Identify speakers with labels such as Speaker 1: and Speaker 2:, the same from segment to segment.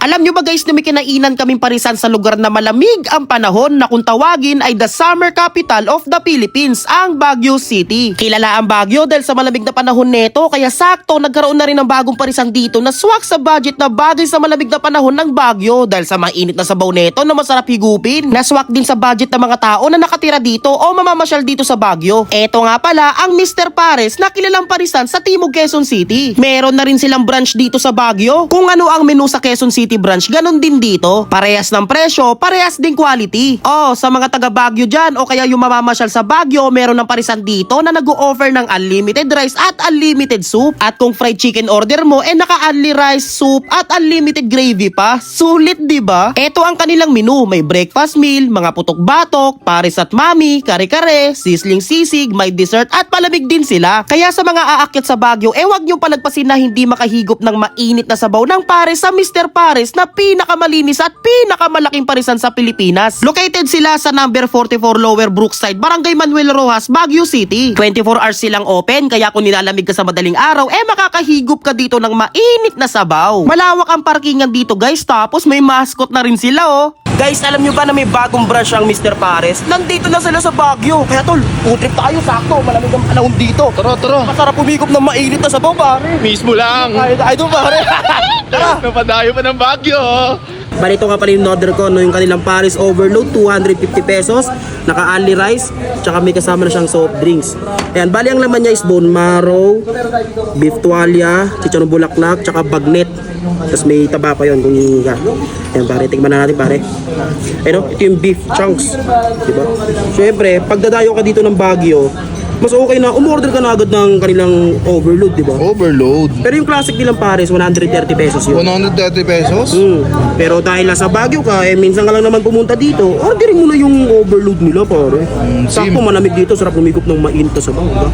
Speaker 1: Alam nyo ba guys na may kinainan kaming parisan sa lugar na malamig ang panahon na kung tawagin ay the summer capital of the Philippines, ang Baguio City. Kilala ang Baguio dahil sa malamig na panahon neto, kaya sakto nagkaroon na rin ng bagong parisan dito na swak sa budget na bagay sa malamig na panahon ng Baguio dahil sa mainit na sabaw neto na masarap higupin. Naswak din sa budget ng mga tao na nakatira dito o mamamasyal dito sa Baguio. Eto nga pala ang Mr. Pares na kilalang parisan sa Timog, Quezon City. Meron na rin silang branch dito sa Baguio. Kung ano ang menu sa Quezon City branch, ganun din dito. Parehas ng presyo, parehas din quality. Sa mga taga Baguio dyan o kaya yung mamamasyal sa Baguio, meron ng parisan dito na nag-o-offer ng unlimited rice at unlimited soup. At kung fried chicken order mo, naka-unli rice, soup at unlimited gravy pa. Sulit, diba? Ito ang kanilang menu. May breakfast meal, mga putok-batok, pares at mami, kare-kare, sisling sisig, may dessert at palamig din sila. Kaya sa mga aakyat sa Baguio, wag niyong palagpasin na hindi makahigop ng mainit na sabaw ng pares sa Mr. Pares na pinakamalinis at pinakamalaking parisan sa Pilipinas. Located sila sa number 44 Lower Brookside, Barangay Manuel Rojas, Baguio City. 24 hours silang open, kaya kung nilalamig ka sa madaling araw, makakahigop ka dito ng mainit na sabaw. Malawak ang parkingan dito guys, tapos may mascot na rin sila Guys, alam nyo ba na may bagong branch ang Mr. Pares? Nandito na sila sa Baguio. Kaya tol, food trip tayo, sakto. Malamig ang panahon dito.
Speaker 2: Tara.
Speaker 1: Masarap humigop ng mainit na sabaw, pare.
Speaker 2: Mismo lang.
Speaker 1: Ay doon, pare. Tara.
Speaker 2: Napadayo pa ng Baguio.
Speaker 1: Balito nga pala yung order ko, yung kanilang Paris Overload, 250 pesos. Naka-unli rice, tsaka may kasama na siyang soft drinks. Ayan, bali ang laman niya is bone marrow, beef tuwalya, chicharon bulaklak, tsaka bagnet. Tapos may taba pa yun kung hihinga. Ayan pare, tikman na natin pare. Ayun, ito yung beef chunks. Diba? Siyempre, pag dadayo ka dito ng Baguio, mas okay na umorder ka na agad ng kanilang overload, diba?
Speaker 2: Overload.
Speaker 1: Pero yung classic nilang Pares, 130 pesos yun.
Speaker 2: 130 pesos?
Speaker 1: Pero dahil nasa Baguio ka, minsan ka lang naman pumunta dito, orderin mo na yung overload nila pare. Sakto malamig dito, sarap lumigop ng mainit na sabaw, diba?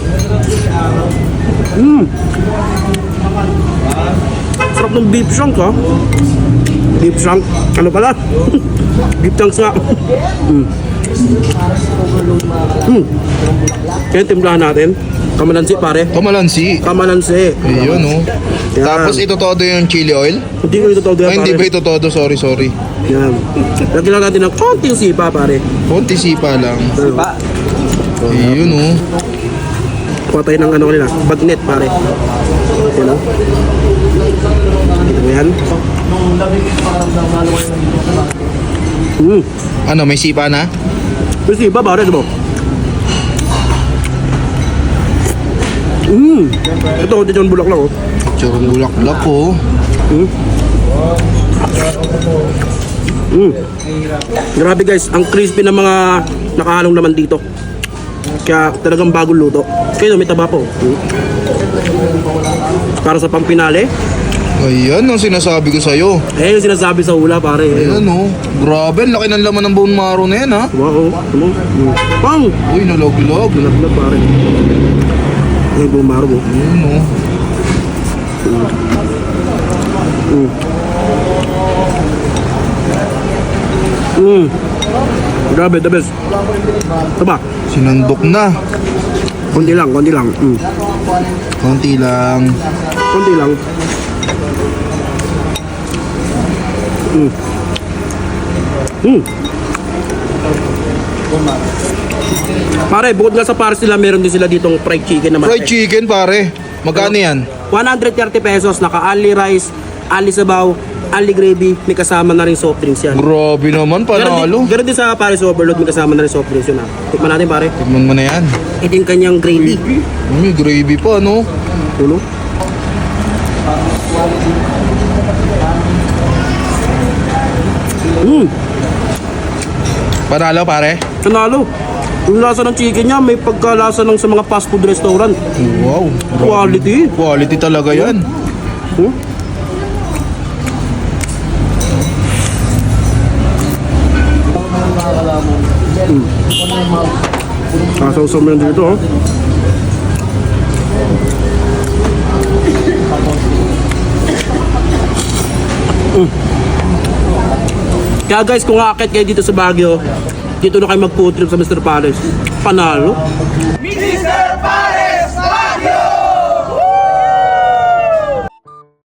Speaker 1: Sarap ng beef chunk ha. Beef chunk, ano pala? Beef chunks nga. Kaya timplahan natin. Kamalansi pare.
Speaker 2: Kamalansi.
Speaker 1: Kamalansi.
Speaker 2: Ayun Yan. Tapos ito todo yung chili oil?
Speaker 1: Hindi ko ito todo yan pare.
Speaker 2: Hindi ba ito todo? Sorry.
Speaker 1: Yan. Lagyan lang natin ng konting sipa pare.
Speaker 2: Konti sipa lang. Sipa? Ayun
Speaker 1: Kuha tayo ng ano nila, bagnet pare. Yan Ito mo yan.
Speaker 2: Ano, may sipa na?
Speaker 1: May sipa pare, diba? Ito, chicharon bulaklak
Speaker 2: Chicharon bulaklak
Speaker 1: Grabe guys, ang crispy ng mga nakahalong naman dito. Kaya talagang bagong luto. Kaya may taba po. Para sa pampinale.
Speaker 2: Ayan ang sinasabi ko sa'yo.
Speaker 1: Yung sinasabi sa hula pare.
Speaker 2: Ayan Grabe, ang laki ng laman ng bone marrow na yan
Speaker 1: Wow, pang!
Speaker 2: Uy, nalog-log.
Speaker 1: Nalaglag pare. Ay, bumaro mo.
Speaker 2: Ayun
Speaker 1: Grabe, the best. Ito ba?
Speaker 2: Sinandok na.
Speaker 1: Konti lang.
Speaker 2: Konti lang. Pare, bukod nga sa Pares nila, meron din sila ditong fried chicken naman. Fried chicken pare. Magkano yan?
Speaker 1: 130 pesos, naka-unli rice, unli sabaw, unli gravy, may kasama na rin soft drinks yan.
Speaker 2: Grabe naman, panalo.
Speaker 1: Ganun din sa Pares Overload, may kasama na rin soft drinks yun Tikman natin pare.
Speaker 2: Tikman mo na yan.
Speaker 1: Ito yung kanyang gravy.
Speaker 2: May gravy pa,
Speaker 1: Tulo.
Speaker 2: Panalo pare.
Speaker 1: Panalo. Yung lasa ng chicken niya, may pagkalasa ng sa mga fast food restaurant.
Speaker 2: Wow.
Speaker 1: Quality.
Speaker 2: Quality talaga yan.
Speaker 1: Kasaw-saw mo yan dito Kaya guys, kung aakit kayo dito sa Baguio, dito na kayo mag-food trip sa Mr. Pares. Panalo.